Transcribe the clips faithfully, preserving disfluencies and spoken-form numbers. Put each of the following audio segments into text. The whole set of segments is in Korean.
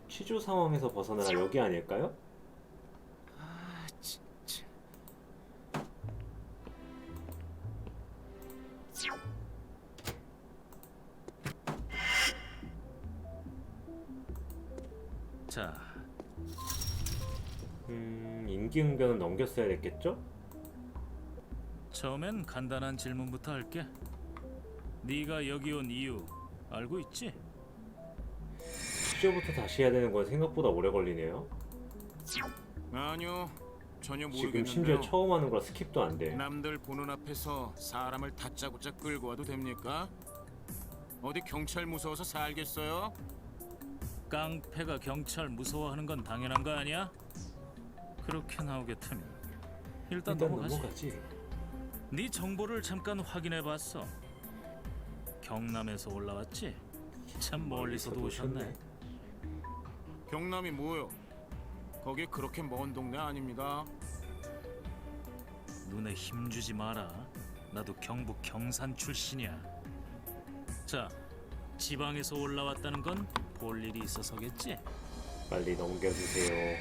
취조 상황에서 벗어나 여기 아닐까요? 아, 진짜. 자, 음, 임기응변은 넘겼어야 됐겠죠? 처음엔 간단한 질문부터 할게. 네가 여기 온 이유 알고 있지? 취조부터 다시 해야 되는 건 생각보다 오래 걸리네요. 아니요, 전혀 지금 심지어 모르겠는데요. 처음 하는 거라 스킵도 안 돼. 남들 보는 앞에서 사람을 다짜고짜 끌고 와도 됩니까? 어디 경찰 무서워서 살겠어요? 깡패가 경찰 무서워하는 건 당연한 거 아니야? 그렇게 나오겠다면 일단, 일단 넘어가지. 넘어가지. 네 정보를 잠깐 확인해봤어. 경남에서 올라왔지? 참 멀리서도 오셨네. 경남이 뭐요? 거기 그렇게 먼 동네 아닙니다. 눈에 힘주지 마라. 나도 경북 경산 출신이야. 자, 지방에서 올라왔다는 건 볼 일이 있어서겠지? 빨리 넘겨주세요.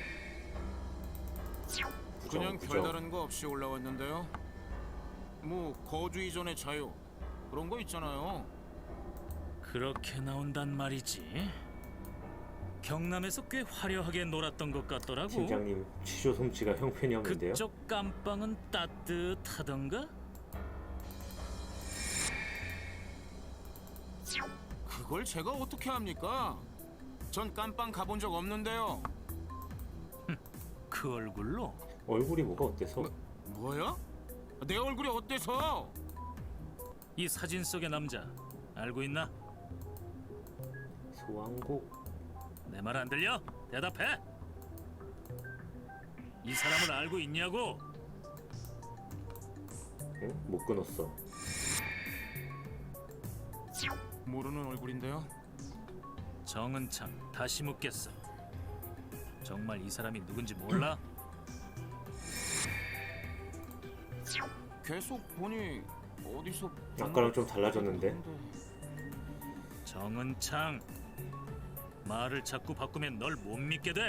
부정, 그냥 부정. 별다른 거 없이 올라왔는데요. 뭐 거주 이전의 자유 그런 거 있잖아요. 그렇게 나온단 말이지. 경남에서 꽤 화려하게 놀았던 것 같더라고. 팀장님 취조 솜씨가 형편이 없는데요. 그쪽 깜빵은 따뜻하던가? 그걸 제가 어떻게 합니까? 전 깜빵 가본 적 없는데요. 그 얼굴로? 얼굴이 뭐가 어때서? 뭐, 뭐야? 내 얼굴이 어때서? 이 사진 속의 남자 알고 있나? 소왕국. 내 말 안 들려? 대답해! 이 사람을 알고 있냐고? 응? 못 끊었어. 모르는 얼굴인데요. 정은창, 다시 묻겠어. 정말 이 사람이 누군지 몰라? 계속 보니 어디서 아까랑 좀 달라졌는데? 정은창, 말을 자꾸 바꾸면 널 못 믿게 돼.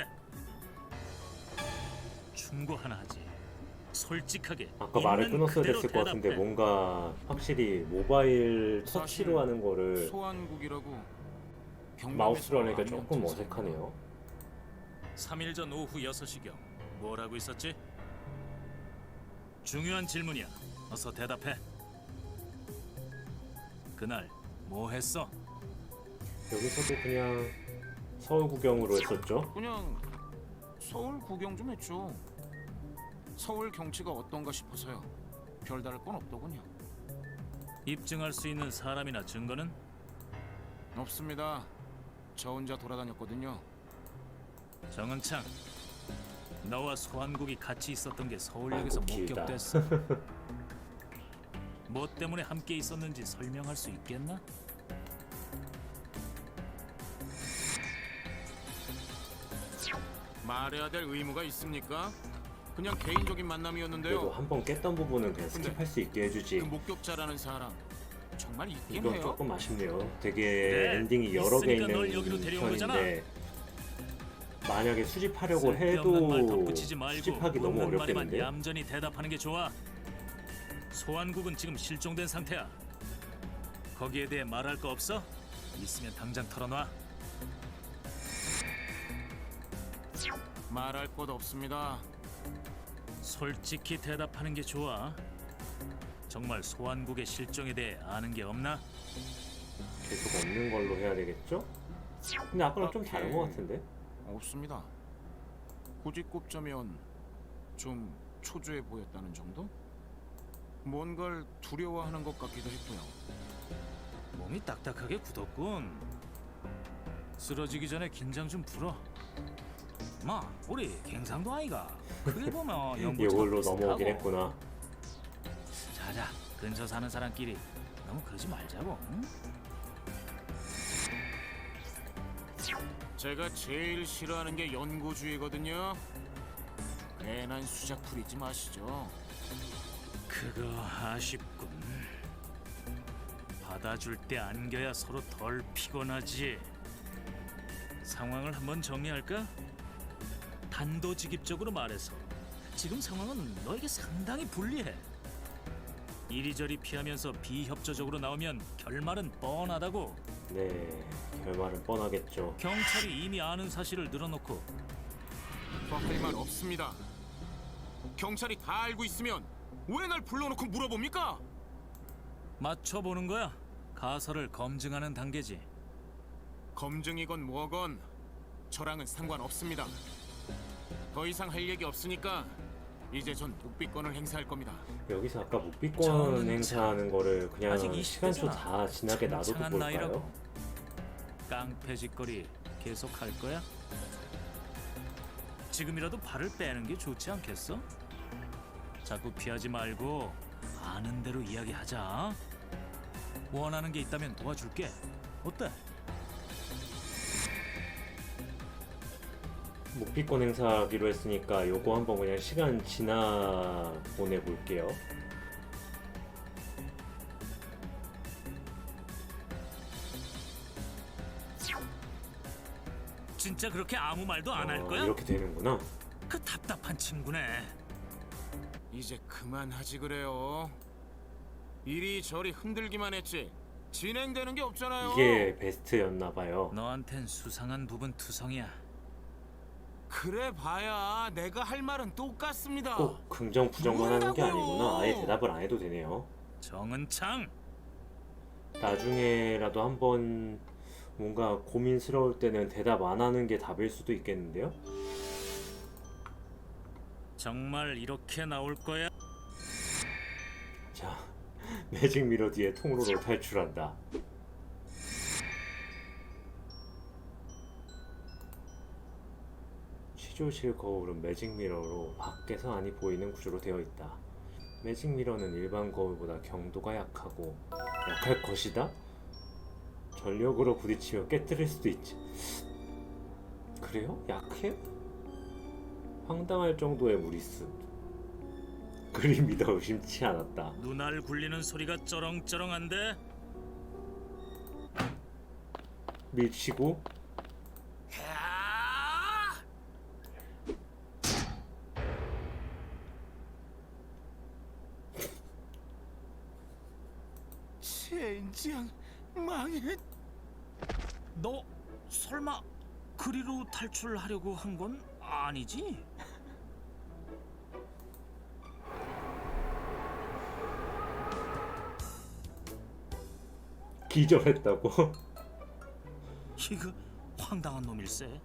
충고 하나 하지. 솔직하게. 아까 말을 있는 끊었어야 그대로 됐을 것 같은데 대답해. 뭔가 확실히 모바일 사실 터치로 하는 거를 소환국이라고 경남에서 마우스로 하니까 아니면 조금 등산. 어색하네요. 삼 일 전 오후 여섯 시경 뭘 하고 있었지? 중요한 질문이야. 어서 대답해. 그날 뭐 했어? 여기서도 그냥 서울 구경으로 했었죠. 그냥 서울 구경 좀 했죠. 서울 경치가 어떤가 싶어서요. 별다를 건 없더군요. 입증할 수 있는 사람이나 증거는? 없습니다. 저 혼자 돌아다녔거든요. 정은창, 너와 소환국이 같이 있었던 게 서울역에서 아이고, 길다. 목격됐어. 뭐 때문에 함께 있었는지 설명할 수 있겠나? 말해야 될 의무가 있습니까? 그냥 개인적인 만남이었는데요. 그래도 한 번 깼던 부분은 그냥 근데 스킵할 수 있게 해주지. 그 목격자라는 사람 정말 있긴 이건 해요. 조금 아쉽네요. 되게 네, 엔딩이 여러 개 있으니까 있는 널 여기로 데려온 편인데 만약에 수집하려고 쓸데없는 말 해도 덧붙이지 말고 수집하기 너무 묻는 말에만 어렵겠는데? 얌전히 대답하는 게 좋아. 소환국은 지금 실종된 상태야. 거기에 대해 말할 거 없어? 있으면 당장 털어놔. 말할 것 없습니다. 솔직히 대답하는 게 좋아. 정말 소환국의 실종에 대해 아는 게 없나? 계속 없는 걸로 해야 되겠죠? 근데 아까랑 좀 다른 것 같은데? 없습니다. 굳이 꼽자면 좀 초조해 보였다는 정도? 뭔가를 두려워하는 것 같기도 했고요. 몸이 딱딱하게 굳었군. 쓰러지기 전에 긴장 좀 풀어. 마, 우리 갱상도 아이가. 크게 보면 연고 이걸로 넘어오긴 했구나. 자자, 근처 사는 사람끼리 너무 그러지 말자고. 응? 제가 제일 싫어하는 게 연고주의거든요. 괜한 수작 부리지 마시죠. 그거 아쉽군. 받아줄 때 안겨야 서로 덜 피곤하지. 상황을 한번 정리할까? 단도직입적으로 말해서 지금 상황은 너에게 상당히 불리해. 이리저리 피하면서 비협조적으로 나오면 결말은 뻔하다고. 네, 결말은 뻔하겠죠. 경찰이 이미 아는 사실을 늘어놓고 더 할 말 없습니다. 경찰이 다 알고 있으면 왜 날 불러놓고 물어봅니까? 맞춰보는 거야. 가설을 검증하는 단계지. 검증이건 뭐건 저랑은 상관없습니다. 더 이상 할 얘기 없으니까 이제 전 묵비권을 행사할 겁니다. 여기서 아까 묵비권 저는 행사하는 거를 그냥 아직 이십 시간초 대잖아. 다 지나게 놔둬도 창창한 볼까요? 나이라고. 깡패짓거리 계속 할 거야? 지금이라도 발을 빼는 게 좋지 않겠어? 자꾸 피하지 말고 아는 대로 이야기하자. 원하는 게 있다면 도와줄게. 어때? 묵비권 행사하기로 했으니까 요거 한번 그냥 시간 지나 보내볼게요. 진짜 그렇게 아무 말도 안 할 어, 거야? 이렇게 되는구나. 그 답답한 친구네. 이제 그만하지 그래요. 이리저리 흔들기만 했지 진행되는 게 없잖아요. 이게 베스트였나봐요. 너한텐 수상한 부분 투성이야. 그래 봐야 내가 할 말은 똑같습니다. 꼭 긍정 부정만 하는 게 뭐라고요? 아니구나. 아예 대답을 안 해도 되네요. 정은창. 나중에라도 한번 뭔가 고민스러울 때는 대답 안 하는 게 답일 수도 있겠는데요? 정말 이렇게 나올 거야? 자, 매직 미러 뒤에 통로로 탈출한다. 취조실 거울은 매직 미러로 밖에서 안이 보이는 구조로 되어 있다. 매직 미러는 일반 거울보다 경도가 약하고 약할 것이다? 전력으로 부딪히며 깨뜨릴 수도 있지. 그래요? 약해요? 황당할 정도의 무리수. 그림이 더 의심치 않았다. 눈알 굴리는 소리가 쩌렁쩌렁한데? 밀치고 야! 젠장 망했. 너 설마 그리로 탈출하려고 한 건 아니지? 기절했다고? 이거 황당한 놈일세.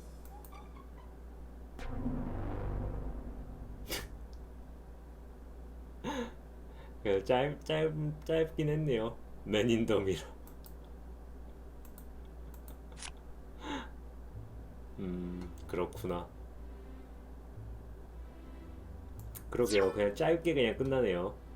그래서 짧, 짧, 짧긴 했네요. 맨인 더 미러. 음, 그렇구나. 그러게요. 그냥 짧게 그냥 끝나네요.